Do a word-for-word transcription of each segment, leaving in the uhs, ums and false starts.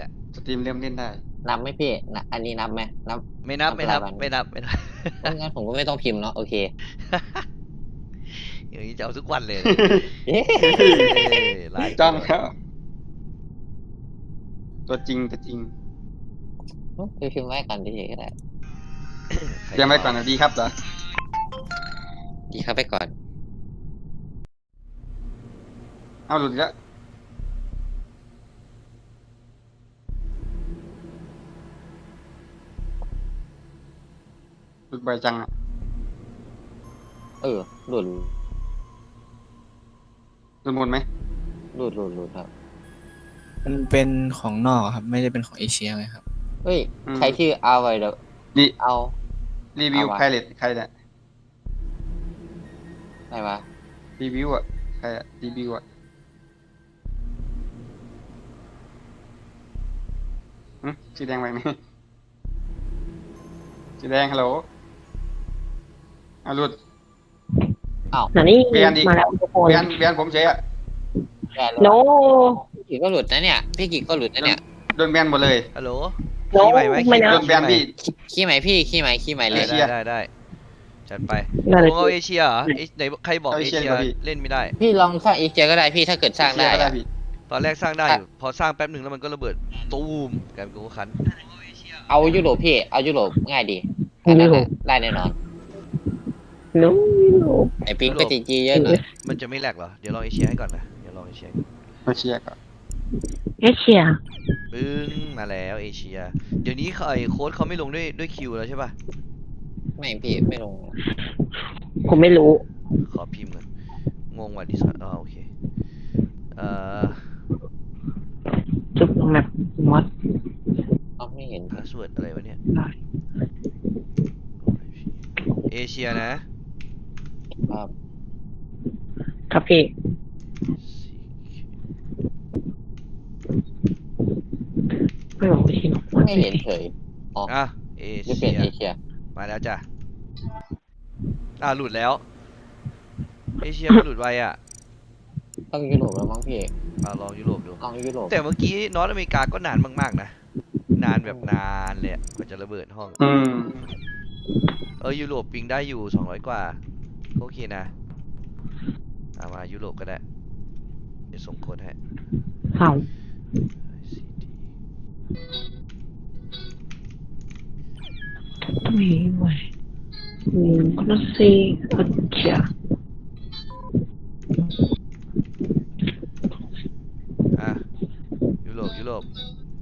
แหละสตรีมเริ่มเล่นได้นับไหมพี่นะอันนี้นับไหมนับไม่นับไม่นับไม่นับไม่นับงั้นผมก็ไม่ต้องพิมพ์เนาะโอเคอย่างนี้จะเอาทุกวันเลยจ้องแล้วตัวจริงตัวจริงไปพิมพ์ไว้กันดีก็ได้เตรียมไว้ก่อนนะดีครับเหรอดีครับไปก่อนเอาหลุดแล้วหลุดบ่อยจังอ่ะเออหลุดหลุดหมดไหมหลุดหลุดหลุดครับมันเป็นของนอกครับไม่ได้เป็นของเอเชียไงครับเฮ้ยใครชื่อเอาไว้เดี๋ยวดิเอารีวิวไพเรตใครเนี่ยไหนวะรีวิวอ่ะใครอ่ะรีวิวอ่ะอืมสีแดงไปไหมสีแดงฮัลโหลเอาหลุดอ้าวนี่เบียนดิมาแล้วทุกคนเบียนเบียนผมเฉยอ่ะโนพี่กิก็หลุดนะเนี่ยพี่กิก็หลุดนะเนี่ยโดนแบนหมดเลยฮัลโหลโนไม่นะโดนแบนพี่ขี้ไหมพี่ขี้ไหมขี้ไหมเลยได้ได้ได้จัดไปของเอาเอเชียเหรอไหนใครบอกเอเชียเล่นไม่ได้พี่ลองสร้างเอเชียก็ได้พี่ถ้าเกิดสร้างได้ตอนแรกสร้างได้อยู่พอสร้างแป๊บหนึ่งแล้วมันก็ระเบิดตูมกันกูคันเอายุโรปพี่เอายุโรปง่ายดีได้แน่นอนโนไอปิงก็จีจีเยอะหน่อยมันจะไม่แหลกเหรอเดี๋ยวลองเอเชียให้ก่อนนะเดี๋ยวลองเอเชียเอเชียก่อนเอเชียปึ้งมาแล้วเอเชียเดี๋ยวนี้ไอโค้ดเขาไม่ลงด้วยด้วยคิวแล้วใช่ป่ะไม่พี่ไม่ลงผมไม่รู้ขอพิมพ์ก่อนงงว่ะดิสอ๋อโอเคเอ่อจุดแมปมอสเขาไม่เห็นพาสเวิร์ดอะไรวะเนี่ยเอเชียนะครับครับพี่ไม่บอกพี่หรอกไม่เห็นเฉยอ๋ออ่ะเอเชียเอเชียมาแล้วจ้ะอ่าหลุดแล้วเอเชียมันหลุดไวอ่ะต้องยุโรปแล้วมั้งพี่อ่าลองยุโรปดูลองยุโรปแต่เมื่อกี้นอร์ทอเมริกาก็นานมากๆนะนานแบบนานเลยกว่าจะระเบิดห้องอืมเออยุโรปปิงได้อยู่สองร้อยกว่าโอเคนะเอามายุโรปก็ได้เดี๋ยวส่งโค้ดให้เอาไม่ไหวอืมก็ต้องซีก็จะอ่ะยุโรปยุโรป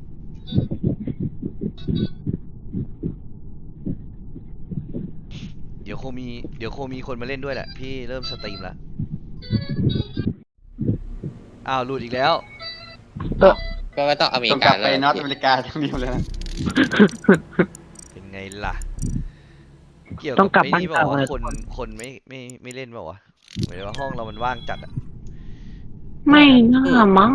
เดี๋ยวคงมีเดี๋ยวคงมีคนมาเล่นด้วยแหละพี่เริ่มสตรีมแล้วอ้าวหลุดอีกแล้วก็ไม่ต้องอเมริกาไปนอร์ทอเมริกาทั้งเดียวเลยนะเป็นไงล่ะเกี่ยวกับไอ้นี่บอกว่าคนคนไม่ไม่ไม่เล่นบอกว่าหมายถึงว่าห้องเรามันว่างจัดอ่ะไม่น่ามั้ง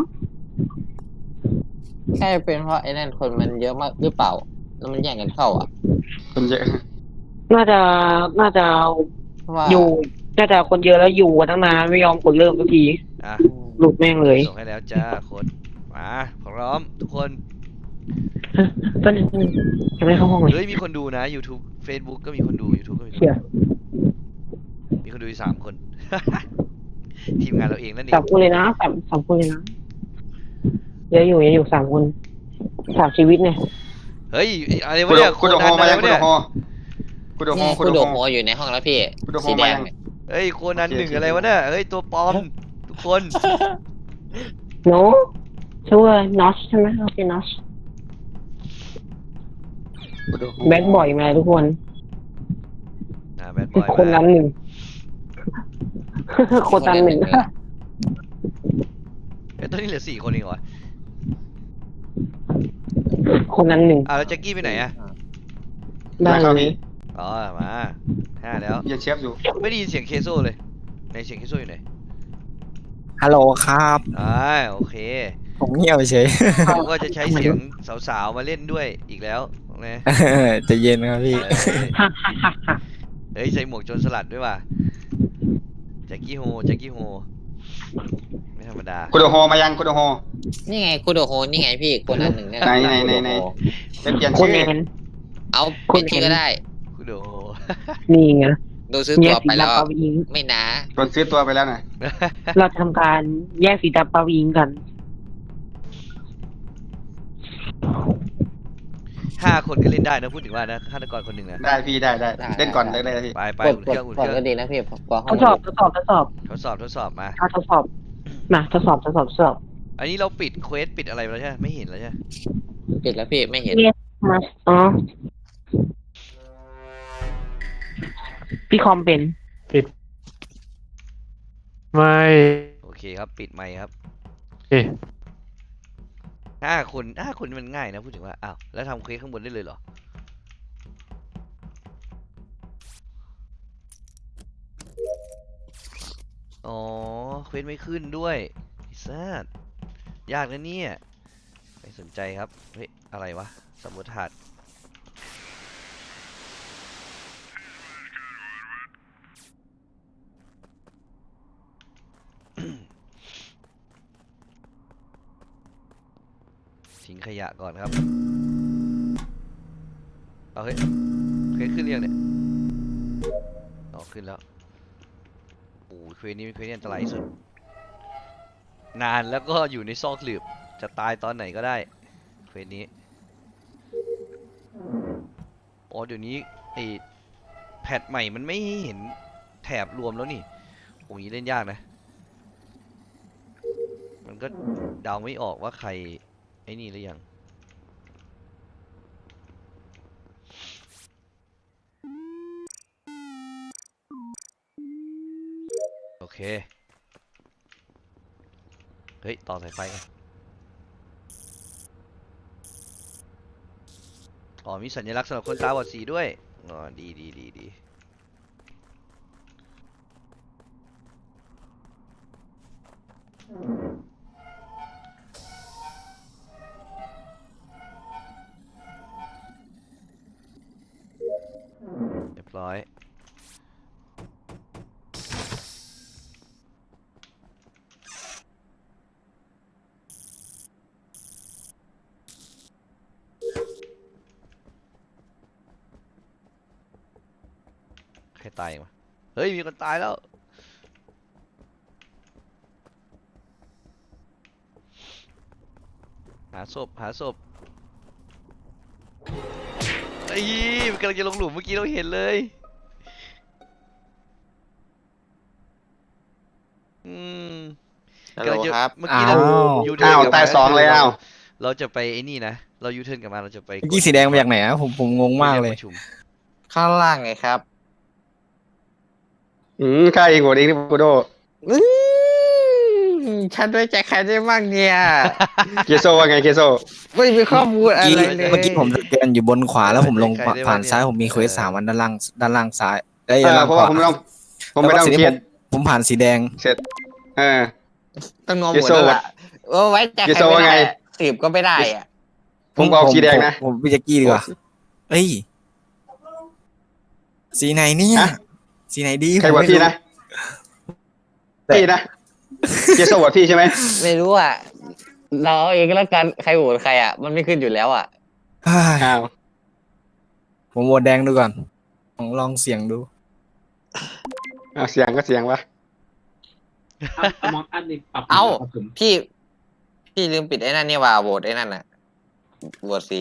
แค่เป็นเพราะไอ้นั่นคนมันเยอะมากหรือเปล่าแล้วมันแย่งกันเข้าอ่ะคนเยอะน่าจะน่าจะอยู่น่าจะคนเยอะแล้วอยู่กันตั้งนานไม่ยอมกดเริ่มสักทีอ่ะหลุดแม่งเลยส่งให้แล้วจ้าโค้ดมาพร้อมทุกคนต้นนึงยังไม่เข้าห้องเลยเฮ้ยมีคนดูนะ YouTube Facebook ก็มีคนดู YouTube ก็มีคนดูมีคนดูสามคนทีมงานเราเองนั่นเองสามคนเลยนะสามสามคนเลยนะเยอะอยู่เยอะอยู่สามคนสามชีวิตเนี่ยเฮ้ยอะไรวะเนี่ยคุณโดโฮมาแล้วคุณโดโฮคุณโดโฮคุณโดโฮอยู่ในห้องแล้วพี่สีแดงเฮ้ยโคนันหนึ่งอะไรวะเนี่ยเฮ้ยตัวปลอมทุกคนโน้ชื่อว่านอชใช่ไหมโอเคนอชแบดบ่อยมาทุกคนอ่าแบดบ่อยคนนั้นหนึ่งคนนั้นหนึ่งไอ้ตัวนี้เหลือสี่คนเองเหรอคนนั้นหนึ่งอ่าแล้วแจ็คกี้ไปไหนอะได้เลยอ๋อมาห้าแล้วยังเชฟอยู่ไม่ได้ยินเสียงเคโซ่เลยในเสียงเคโซ่อยู่ไหนฮัลโหลครับอ่าโอเคผมเงียบเฉยผมก็จะใช้เสียงสาวๆมาเล่นด้วยอีกแล้วนะจะเย็นครับพี่เฮ้ยใส่หมวกโจรสลัดด้วยว่ะแจ็คกี้โฮแจ็คกี้โฮไม่ธรรมดาคุณโดโฮมายังคุณโดโฮนี่ไงคูโดโฮนี่ไงพี่คนนั้นหนึ่งเนี่ยไหนไหนไหนไหนไปเปลี่ยนคุชื่ณอเห็นเอาเปลี่ยนชื่อก็ได้คุณโดนี่ไงดูซื้อแยตักวสีไปแล้วดำปาวิงไม่นะคนซื้อตัวไปแล้วน่ะเราทำการแยกสีดำปาวิงกันห้าคนก็เล่นได้นะพูดถึงว่านะฆาตกรคนหนึ่งนะได้พี่ได้ได้เล่นก่อนเลยได้พี่ไปไปกดอุ่นกเคดรื่องอุ่นกเคดรื่ก็องดีนะพี่พอห้ทองดสอบทดสอบทดสอบทดสอบทดสอบมาเอาทดสอบมาทดสอบทดสอบทดสอบอันนี้เราปิดเควสปิดอะไรไปแล้วใช่ไหมไม่เห็นแล้วใช่ไหมปิดแล้วพี่ไม่เห็นเนี่ยมาอ๋อพี่คอมเป็นไม่โอเคครับปิดไมค์ครับเอ๊ะห้าคนห้าคนนี่มันง่ายนะพูดถึงว่าอ้าวแล้วทำเควสข้างบนได้เลยเหรออ๋อเควสไม่ขึ้นด้วยไอ้สัสยากนะเนี่ยไม่สนใจครับเฮ้ยอะไรวะสมุดถาด ทิ้งขยะก่อนครับเอาเฮ้ยเควสขึ้นเรียงเนี่ยอ๋อขึ้นแล้วโอ้ยเควสนี้เป็นเควสที่อันตรายที่สุดนานแล้วก็อยู่ในซอกหลืบจะตายตอนไหนก็ได้เควสนี้อ๋อเดี๋ยวนี้ไอแพทใหม่มันไม่เห็นแถบรวมแล้วนี่โอ้ยเล่นยากนะมันก็เดาไม่ออกว่าใครไอ้นี่หรือยังโอเคเฮ้ยต่อสายไฟกันอ๋อมีสัญลักษณ์สำหรับคนตาบอดสีด้วยอ๋อดีดีดีดีเรียบร้อยใครตายมาเฮ้ยมีคนตายแล้วหาศพหาศพไอ้ยมันกำลังจะลงหลุมเมื่อกี้เราเห็นเลยอืมฮัลโหลครับเมื่อกี้เราอ้าวยูเทิร์อ้าน วกลับตายมาสองเลยอ้าวเราจะไปไอ้นี่นะเรายูเทิร์นกลับมาเราจะไปเมื่อกี้สีแดงมาจากไหนอะผมผมงงมากเลยประชุมข้างล่างไงครับอืมข้าเองโหวตเองนี่กูโดอื้อฉันด้วยใจใครได้บ้างเนี่ยเกโซว่าไงเกโซไม่มีข้อมูลอะเมื่อไรกี้เลยเมื่อกี้ผมสแกนอยู่บนขวาแล้วผมลงผ่านซ้ายผมมีเควสสามวันด้านล่างด้านล่างซ้ายเอ้ยเอด้านอล่างเพราะขว่าผมวาไม่ต้องผมไม่ต้องแล้วก็เครียดผมผมผ่านสีแดงเสร็จเออต้องงอหเยมดโซ่แล้วล่ะว่าไว้ใจเยใครโซ่ไม่ว่าไงได้สืบก็ไม่ได้อ่ะผมเอาสีแดงนะผมผมพี่แจ็กกี้ดีกว่าเอ้ยสีไหนเนี่ยฮะสีไหนดีใครโหวตผมไม่พี่นะพี่นะเกโซโหวตพี่ใช่ไหมไม่รู้อ่ะเราเอาเองก็แล้วกันใครโหวตใครอ่ะมันไม่ขึ้นอยู่แล้วอ่ะเฮ้ยอ้าวผมโหวตแดงดูก่อนลองลองเสียงดูอ้าวเสียงก็เสียงวะเอ้าพี่ พี่ลืมปิดไอ้นั่นนี่ว่าโหวตไอ้นั่นน่ะโหวตสี